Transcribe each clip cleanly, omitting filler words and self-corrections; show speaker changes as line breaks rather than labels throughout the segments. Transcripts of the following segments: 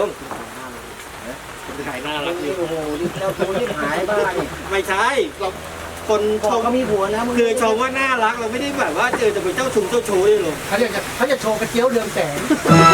ลุงถ่ายหน้ารักอยู่
โอ้โหดิเราตัวที่หายบ้านี่
ไม่ใช่เราคนช
บอก
ม
เขามีผัวนะมึง
คือชมว่าน่ารักเราไม่ได้แบบว่าจะเป็นเจ้าชู้เลยลุง
เขาจะโชว์กระเจียวเรืองแสง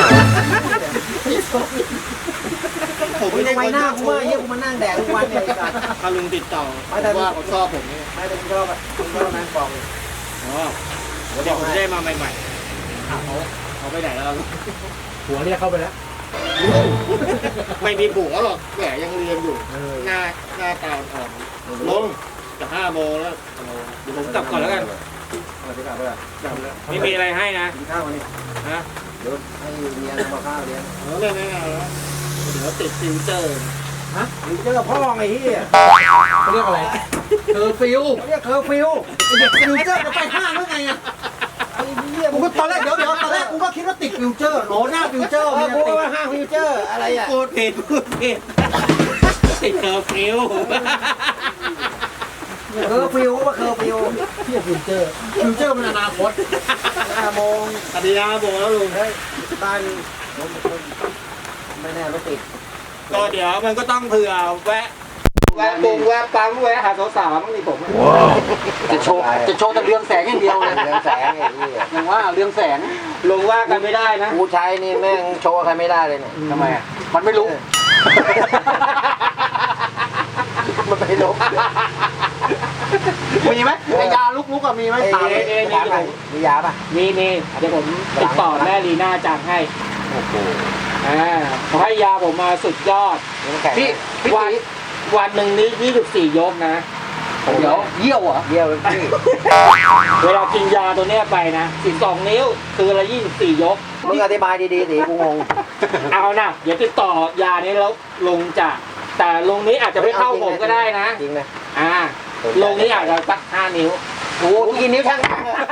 ผม
มึ
ไม่
ง
ได้
ทำไม
คน
หน้า
เจ้า
กู
ชู้
ว่าเฮียกูมานั่งแดดทุกวันเนี่ยไอ้สัตว์
ถ้าลุงติดต่อ
ไม่แต่
ว่าเขาชอบผมเนี่ย
ไม่แต่กูชอบอ่ะกูชอบนะบอกเลย
อ๋อเดี๋ยวผมได้มาใหม่ๆเขาไปไหนแล้ว
หัวเรียกเข้าไปแล้ว
ไม่มีผัวหรอกแหมยังเรียนอยู่หน้าตาอ่อนลงจะ5 โมงแล้วเดี๋ยวผมกลับก่อนแล้วกัน
เอาไปกลับไปละ
กลับแล้วไม่มีอะไรให้นะ
กินข้าวมานี่
ฮะ
เดี๋ยวให้เมียทำกับข้าวเลี้ยง
ไม่แล้วเดี๋ยวติดฟิวเจอร์
มึงเจอกับพ่อไงเฮีย
เขาเรียกอะไรเธอฟิว
เขาเรียกเคอร์ฟิว
ฟิวเจอร์จะไปห้างหรือไงอ่ะ
ไอ้เฮีย
กูก็ตอนแรกเดี๋ยวตอนแรกกูก็คิดว่าติดฟิวเจอร์โหลหน้าฟิวเจอร์
เอ
มั
อน กู
จะติด
ว่าห้างฟิวเจอร์อะไรอ่ะ
พูดผิดติดเคอร์ฟิว
เคอร์ฟิวก็ว่าเคอร์ฟิว
เที่ยวฟิวเจอร์มันอนาคต
5 โมง
อดีต5 โมงแล้วลุง
เฮ้ยบ้านไม่แน่รถติด
ก็เดี๋ยวมันก็ต้องเผื่อแวะปั๊มแวะหาสาวๆมั้งนี่ผม
จะโชว์แต่เรืองแสงอย่างเดียวเลย
เรืองแสงไอ้เหี้ย
อย่างว่าเรืองแสง
ลงว่ากันไม่ได้นะ
กูใช้นี่แม่งโชว์ใครไม่ได้เลยเนี่ย
ทำไมอ่ะมันไม่รู้
มันไม่ลบ
มีไหมไอยาลุกๆอะมีไหมถามเลย
มียาป่ะ
นี่เดี๋ยวผมติดต่อแม่ลีน่าจังให้
โอ้โห
เขาให้ยาผมมาสุดยอด
พี่
วันหนึ่งนี้24 ยกนะ
เดี๋ยวเยี่ยวเหรอ
เยี่ยวเลยพี่
เวลากินยาตัวเนี้ยไปนะ12 นิ้วคือละ24 ยก
มึงอธิบายดีๆสิกูงง
เอานะเดี๋ยวติดต่อยานี้แล้วลงจะแต่ลงนี้อาจจะไม่เข้าผมก็ได้นะ
จริงนะ
ลงนี้อาจจะสัก5 นิ้ว
โอ้กูกินนิ้วช่าง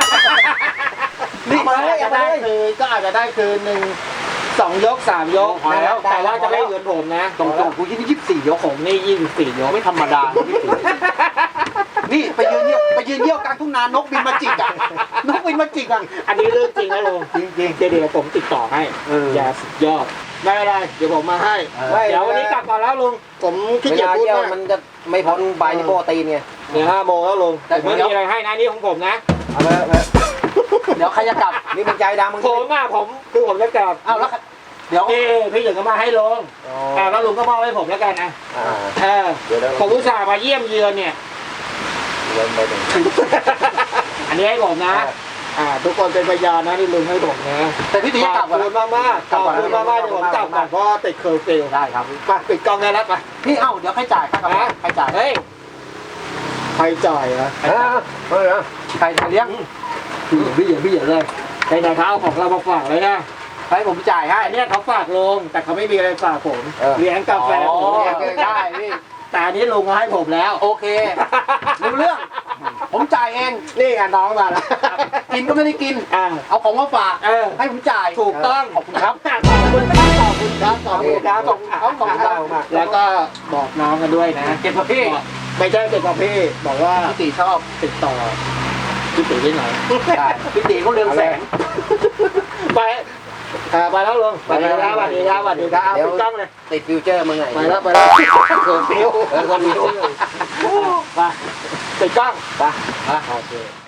นี่อาจจะได้คือก็อาจจะได้คือ2 ยก 3 ยกแล้วแต่ว่าจะไม่เหมือนผมนะ
ตรงๆกู24 ยก
ผมนี่24 ยก
ไม่ธรรมดานี่ไปยืนเยี่ยวกลางทุ่งนานกบินมาจิกอ่ะนกบินมาจิกอ่ะ
อันนี้เรื่องจริงนะลุง
จริง
เดี๋ยวผมติดต่อให้ยาสุดยอดไม่เป็นไรเดี๋ยวผมมาให้เดี๋ยววันนี้กลับก่อนแล้วลุงผมขี้
เว
เกียจ
ลา
พูด
เยี่ยว
มาก
มันจะไม่พ้นใบโปรตีนไง
เดี๋ยว5 โมงแล้วลุงแต่ไม่มีอะไรให้นะนี่ของผมนะ
เอาไป
เดี๋ยวใครจะกลับ
นี่มึงใจดำมึง
ผมคือผมจะกลับ
อ้าวแล้วเดี๋ยว
พี่หญิงก็มาให้ลุงแล้วลุงก็มอบให้ผมแล้วกันนะ
เดี๋ยว
ผมอุตส่าห์มาเยี่ยมเยือนเนี่ย
เดินไปถึง
อันนี้ให้ผมนะทุกคนเป็นพยานนะที่ลุงให้ผมนะ
แต่พี่ตี
ข
จะกลั
อ
บบ
คุณมากๆขอบคุณมากๆเดี๋ยวผมกลับก่อนเพราะติดเคอร์ฟิว
ได้ครับ
ไปปิดกล้องได้แล้วไป
พี่เอ้าเดี๋ยวใครจ่ายค่ากาแฟใครจ่าย
เฮ้ยใครจ่ายอะ
เฮ้ย
ใครเลี้ยง
พี่เหยียบเลยไหนๆเขาเอาของเรามาฝากเลยนะ
ให้ผมจ่ายให้
อันนี้เขาฝากลงแต่เขาไม่มีอะไรฝากผมเลี้ยงกาแฟผม
ได้พี่
แต่อันนี้ลุงเขาให้ผมแล้ว
โอเครู้เรื่อง ผมจ่ายเอง
นี่ไงน้องมาแล้ว
กินก็ไม่ได้กิน เอาของมาฝากให้ผมจ่าย
ถูกต้อง
ขอบคุณครับ
ขอบคุณครับขอบคุณครับขอบคุณครับ
ขอบคุณครับขอบคุณครับ
แล้วก็บอกน้องกันด้วยนะ
เก็บกับพี่
ไม่ใช่เก็บกับพี่บอกว่า
พี่ตีชอบ
ติดต่อพี่ติ๋วที่ไหน
ได้พี่ตีเขาเรืองแสง
ไปไปแล้วลุงไปแล้วสวัสดีครับสวัสดีครับปิดกล้องเลย
ติดฟิวเจอร์มึงไง
ไปแล้วเคอร์ฟิว
คนฟิว
ไปปิดกล้อง
ไป
โอเค